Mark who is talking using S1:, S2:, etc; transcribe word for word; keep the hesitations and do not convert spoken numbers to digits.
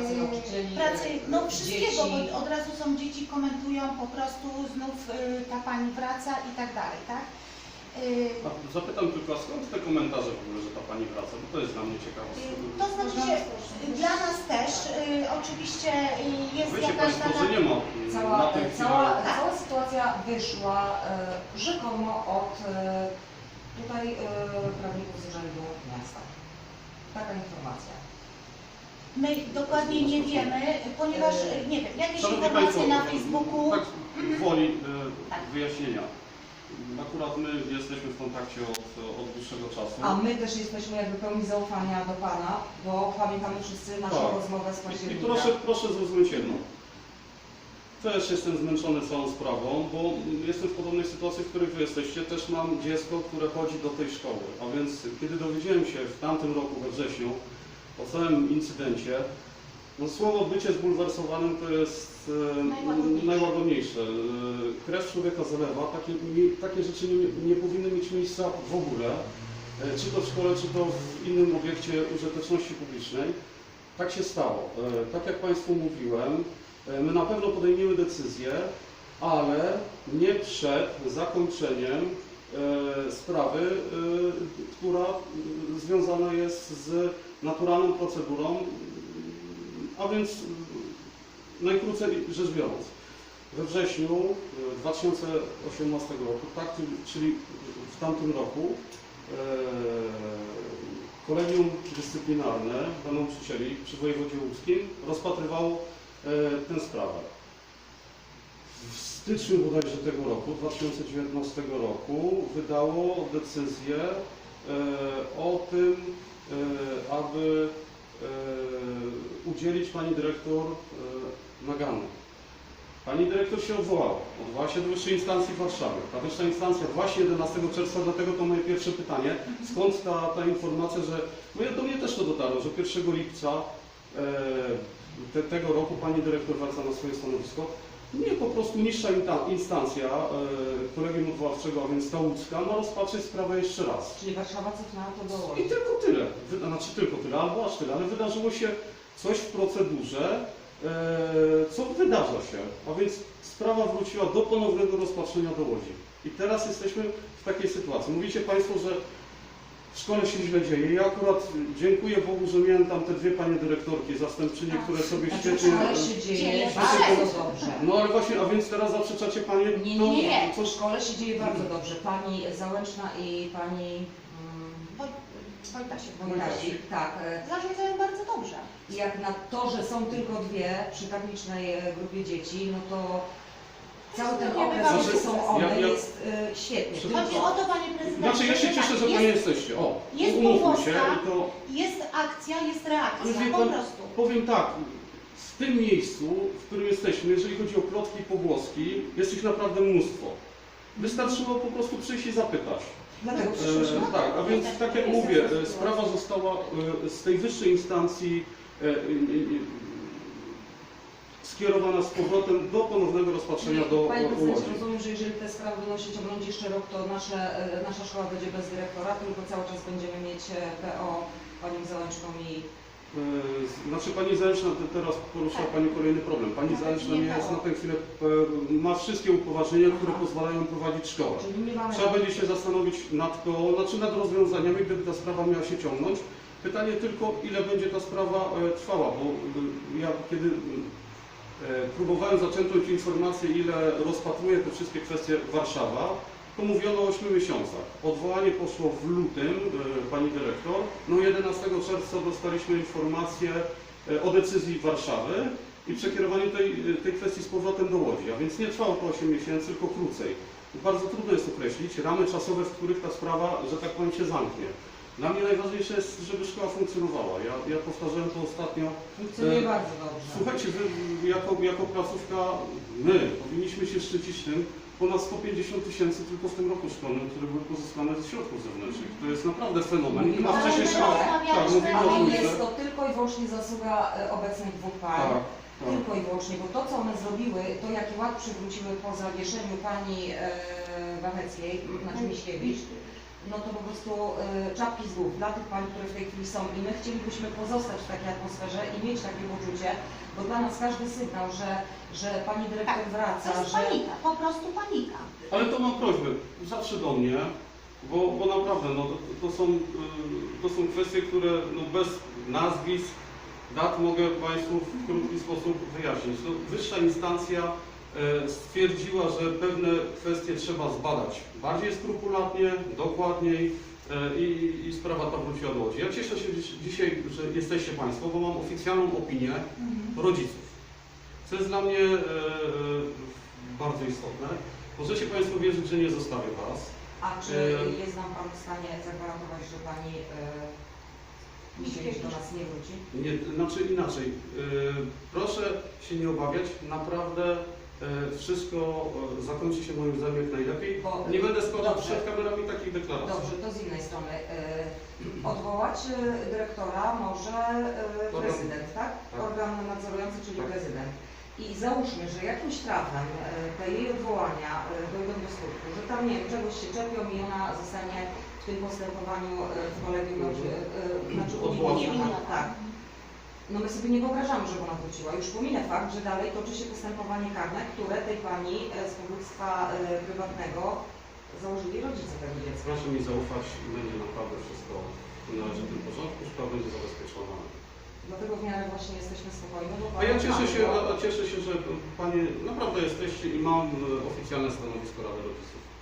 S1: pracy nauczycieli,
S2: pracy, no wszystkiego,
S1: dzieci.
S2: bo od razu są dzieci, komentują po prostu znów y, ta pani wraca i tak dalej, tak?
S3: A zapytam tylko, a skąd te komentarze w ogóle, że ta pani wraca? Bo to jest dla mnie ciekawe.
S2: To znaczy się, dla nas też y, oczywiście y, jest
S3: Wiecie
S2: jakaś
S3: Państwo,
S2: taka...
S3: że nie ma
S1: Cała,
S3: na tym
S1: cała,
S3: chwilę.
S1: cała sytuacja wyszła e, rzekomo od e, tutaj e, prawników z Urzędu Miasta. Taka informacja.
S2: My dokładnie nie wiemy, ponieważ, y, nie wiem, jakieś
S3: Szanowni
S2: informacje
S3: Państwo,
S2: na Facebooku...
S3: tak woli e,
S2: Tak.
S3: wyjaśnienia. Akurat my jesteśmy w kontakcie od, od dłuższego czasu.
S1: A my też jesteśmy jakby pełni zaufania do Pana, bo pamiętamy wszyscy naszą
S3: Tak.
S1: rozmowę z
S3: I
S1: października.
S3: proszę, proszę zrozumieć jedno. Też jestem zmęczony całą sprawą, bo jestem w podobnej sytuacji, w której Wy jesteście. Też mam dziecko, które chodzi do tej szkoły. A więc kiedy dowiedziałem się w tamtym roku, we wrześniu, o całym incydencie, no słowo bycie zbulwersowanym to jest e,
S2: Najłagodniejsze.
S3: najłagodniejsze. E, krew człowieka zalewa. Takie, nie, takie rzeczy nie, nie powinny mieć miejsca w ogóle. E, czy to w szkole, czy to w innym obiekcie użyteczności publicznej. Tak się stało. E, tak jak Państwu mówiłem, e, my na pewno podejmiemy decyzję, ale nie przed zakończeniem e, sprawy, e, która e, związana jest z naturalną procedurą, a więc e, najkrócej rzecz biorąc. We wrześniu e, dwa tysiące osiemnastego roku, tak, czyli w tamtym roku, e, Kolegium Dyscyplinarne dla Nauczycieli przy wojewodzie łódzkim rozpatrywało e, tę sprawę. W styczniu bodajże tego roku, dwa tysiące dziewiętnastego roku, wydało decyzję e, o tym, e, aby e, udzielić pani dyrektor e, nagany. Pani dyrektor się odwołała. Odwołała się do wyższej instancji w Warszawie. Ta wyższa instancja właśnie jedenastego czerwca, dlatego to moje pierwsze pytanie, skąd ta, ta informacja, że no do mnie też to dotarło, że pierwszego lipca e, te, tego roku pani dyrektor wraca na swoje stanowisko. Nie, po prostu niższa instancja e, kolegium odwoławczego, a więc ta łódzka, ma rozpatrzyć sprawę jeszcze raz.
S1: Czyli Warszawa cofnęła to do
S3: I
S1: Łodzi.
S3: tylko tyle. Wyda, znaczy tylko tyle, albo aż tyle, ale wydarzyło się coś w procedurze, co wydarza się, a więc sprawa wróciła do ponownego rozpatrzenia do Łodzi. I teraz jesteśmy w takiej sytuacji. Mówicie Państwo, że w szkole się źle dzieje. Ja akurat dziękuję Bogu, że miałem tam te dwie panie dyrektorki, zastępczynie, które sobie
S1: Znaczy,
S3: świetnie...
S1: w szkole się dzieje
S2: dzieje
S1: bardzo
S2: się.
S1: dobrze.
S3: No ale właśnie, a więc teraz zaprzeczacie Panie...
S1: Nie,
S3: to,
S1: nie, nie.
S3: co-
S1: W szkole się dzieje bardzo dobrze. Pani Załęczna i pani mm,
S2: Woj- Wojtasiek.
S1: Wojtasik, tak. e,
S2: Zarządzają bardzo dobrze.
S1: Jak na to, że są tylko dwie przy tak licznej e, grupie dzieci, no to cały ten
S2: Nie
S1: okres,
S2: bywamy.
S1: że są one,
S3: Ja- ja-
S1: jest e, świetnie.
S3: Przy-
S2: Chodzi o to, Panie Prezydencie,
S3: Znaczy ja się
S2: że
S3: cieszę,
S2: tak,
S3: że Panie
S2: jest,
S3: jesteście. O,
S2: jest
S3: umówmy
S2: powłoska.
S3: się i to...
S2: jest akcja, jest
S3: Ale
S2: reakcja,
S3: wie
S2: po
S3: pan,
S2: prostu.
S3: powiem tak, w tym miejscu, w którym jesteśmy, jeżeli chodzi o plotki i pogłoski, jest ich naprawdę mnóstwo. Wystarczyło po prostu przyjść i zapytać.
S1: Dlatego
S3: E,
S1: przyszłyśmy.
S3: tak, a więc tak jak
S1: Jest
S3: mówię,
S1: taka
S3: e,
S1: sytuacja.
S3: sprawa została e, z tej wyższej instancji e, e, e, skierowana z powrotem do ponownego rozpatrzenia do
S1: Panie
S3: do
S1: prezydencie,
S3: Łodzi.
S1: rozumiem, że jeżeli te sprawy będą się ciągnąć jeszcze rok, to nasze, e, nasza szkoła będzie bez dyrektora, tylko cały czas będziemy mieć e, P O panią Załęczką i
S3: E, Znaczy Pani Zaleczna te- teraz poruszyła
S2: Tak.
S3: Pani kolejny problem. Pani
S2: Nawet
S3: Zaleczna
S2: nie
S3: nie jest
S2: P O.
S3: na tę chwilę, e, ma wszystkie upoważnienia, które
S1: Aha.
S3: pozwalają prowadzić szkołę.
S1: czyli nie mamy...
S3: Trzeba będzie się zastanowić nad P O, znaczy nad rozwiązaniami, gdyby ta sprawa miała się ciągnąć. Pytanie tylko, ile będzie ta sprawa e, trwała, bo e, ja kiedy e, próbowałem zaczerpnąć informację, ile rozpatruje te wszystkie kwestie Warszawa, to mówiono o ośmiu miesiącach. Odwołanie poszło w lutym, e, pani dyrektor, no jedenastego czerwca dostaliśmy informację e, o decyzji Warszawy i przekierowanie tej, tej kwestii z powrotem do Łodzi, a więc nie trwało to osiem miesięcy, tylko krócej. Bardzo trudno jest określić ramy czasowe, w których ta sprawa, że tak powiem, się zamknie. Dla mnie najważniejsze jest, żeby szkoła funkcjonowała. Ja, ja powtarzałem to ostatnio.
S1: Funkcjonuje
S3: E,
S1: bardzo dobrze.
S3: Słuchajcie, wy jako, jako placówka, my powinniśmy się szczycić tym, ponad sto pięćdziesiąt tysięcy tylko w tym roku szkolnym, które były pozyskane ze środków zewnętrznych. To jest naprawdę fenomen.
S1: Mówimy
S3: Ma
S1: o
S3: wcześniej
S1: tym,
S3: szkoła.
S1: ale-
S3: Tak, mówimy o
S1: Ale
S3: trójce.
S1: jest to tylko i wyłącznie zasługa e, obecnych dwóch pań.
S3: Tak, tak.
S1: Tylko i wyłącznie, bo to co one zrobiły, to jaki ład przywróciły po zawieszeniu pani e, Wacheckiej, znaczy Miśkiewicz, no to po prostu y, czapki z głów dla tych pań, które w tej chwili są i my chcielibyśmy pozostać w takiej atmosferze i mieć takie poczucie, bo dla nas każdy sygnał, że, że pani dyrektor
S2: Tak,
S1: wraca,
S2: To jest
S1: że...
S2: panika, po prostu panika.
S3: Ale to mam prośbę, zawsze do mnie, bo, bo naprawdę no, to, to, są, y, to są kwestie, które no, bez nazwisk, dat mogę Państwu w krótki sposób wyjaśnić. No, wyższa instancja e, stwierdziła, że pewne kwestie trzeba zbadać bardziej skrupulatnie, dokładniej e, i, i sprawa ta wróciła do Łodzi. Ja cieszę się dziś, dzisiaj, że jesteście Państwo, bo mam oficjalną opinię rodziców. Co jest dla mnie e, e, bardzo istotne. Możecie Państwo wierzyć, że nie zostawię Was.
S1: A czy
S3: E,
S1: jest nam Pan w stanie zagwarantować, że Pani y, dzisiaj już do nas nie wróci?
S3: Nie, znaczy inaczej. Yy, proszę się nie obawiać, naprawdę yy, wszystko yy, zakończy się moim zdaniem jak najlepiej.
S1: Bo,
S3: Nie będę składał
S1: dobrze.
S3: przed kamerami takich deklaracji.
S1: Dobrze, to z innej strony. Y, odwołać y, dyrektora może y, prezydent, tak?
S3: Tak.
S1: Organ nadzorujący, czyli
S3: Tak.
S1: prezydent. I załóżmy, że jakimś trafem y, te jej odwołania y, dojdą do skutku, że tam nie wiem, czegoś się czepią i ona zostanie w tym postępowaniu y, w kolegium, y, y, znaczy
S3: Odwołana.
S1: uniewinniona. Tak. No my sobie nie wyobrażamy, żeby ona wróciła. Już pominę fakt, że dalej toczy się postępowanie karne, które tej pani e, z powództwa e, prywatnego założyli rodzice tego dziecka.
S3: Proszę mi zaufać i będzie naprawdę wszystko w należytym porządku, sprawa będzie zabezpieczona.
S1: Dlatego w miarę właśnie jesteśmy spokojni. Bo
S3: A ja cieszę się,
S1: bo-
S3: a cieszę się, że Panie naprawdę jesteście i mam e, oficjalne stanowisko Rady Rodziców.